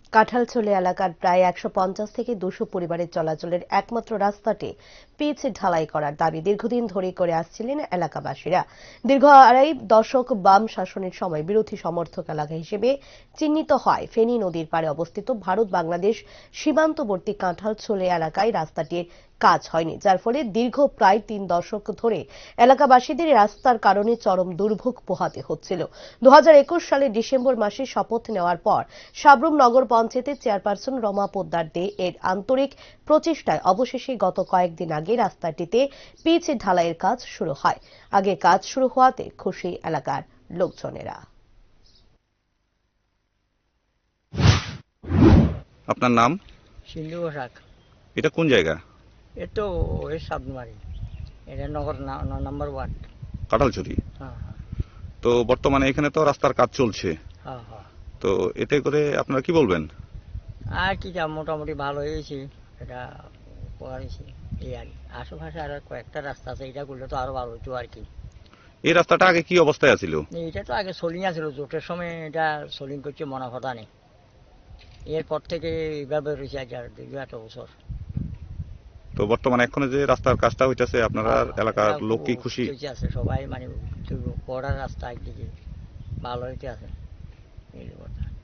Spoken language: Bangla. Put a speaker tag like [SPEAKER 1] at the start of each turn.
[SPEAKER 1] কাঁঠালছড়ি এলাকার প্রায় ১৫০ থেকে ২০০ পরিবারের চলাচলের একমাত্র রাস্তাটি পিচ ঢালাই করার দাবি দীর্ঘদিন ধরে করে আসছিলেন এলাকাবাসীরা। দীর্ঘ আড়াই দশক বাম শাসনের সময় বিরোধী সমর্থক এলাকা হিসেবে চিহ্নিত হয় ফেনী নদীর পাড়ে অবস্থিত ভারত বাংলাদেশ সীমান্তবর্তী কাঁঠালছড়ি এলাকায় রাস্তাটির কাজ হয়নি, যার ফলে দীর্ঘ প্রায় ৩ দশক ধরে এলাকাবাসীদের রাস্তার কারণে চরম দুর্ভোগ পোহাতে হচ্ছিল। ২০২১ সালের ডিসেম্বর মাসে শপথ নেওয়ার পর সাবরুম নগর পঞ্চায়েতের চেয়ারপারসন রমা পোদ্দার দে এর আন্তরিক প্রচেষ্টায় অবশেষে গত কয়েকদিন আগে রাস্তাটিতে পিচ ঢালাইয়ের কাজ শুরু হয়। আগে কাজ শুরু হওয়াতে খুশি এলাকার লোকজনেরা।
[SPEAKER 2] আপনার নাম?
[SPEAKER 3] সিন্ধু পোশাক।
[SPEAKER 2] এটা কোন জায়গা?
[SPEAKER 3] এ তো ওই সাবমারি, এটা নগর ৯ নম্বর ওয়ার্ড,
[SPEAKER 2] কাঁঠালছড়ি।
[SPEAKER 3] হ্যাঁ হ্যাঁ
[SPEAKER 2] তো বর্তমানে এখানে তো রাস্তার কাজ চলছে,
[SPEAKER 3] হ্যাঁ হ্যাঁ।
[SPEAKER 2] তো এতে করে আপনারা কি বলবেন?
[SPEAKER 3] আর কি যা মোটামুটি ভালো হয়েছে, এটা করেছি এই আর কি। আশেপাশে আর কয়েকটা রাস্তা আছে, এটা করলে তো আরো ভালো হতো আর কি।
[SPEAKER 2] এই রাস্তাটা আগে কি অবস্থায় ছিল?
[SPEAKER 3] এটা তো আগে সোলিং আছিল, জোটের সময় এটা সোলিং করছে মনে কথা নেই। এরপর থেকে এইভাবে রয়েছে আজ আর ২-৮ বছর।
[SPEAKER 2] তো বর্তমানে এখন যে রাস্তার কাজটা হইতেছে, আপনারা এলাকার লোক কি খুশি?
[SPEAKER 3] আছে সবাই, মানে বড় রাস্তা একদিকে ভালো হইতে আছে এই কথা।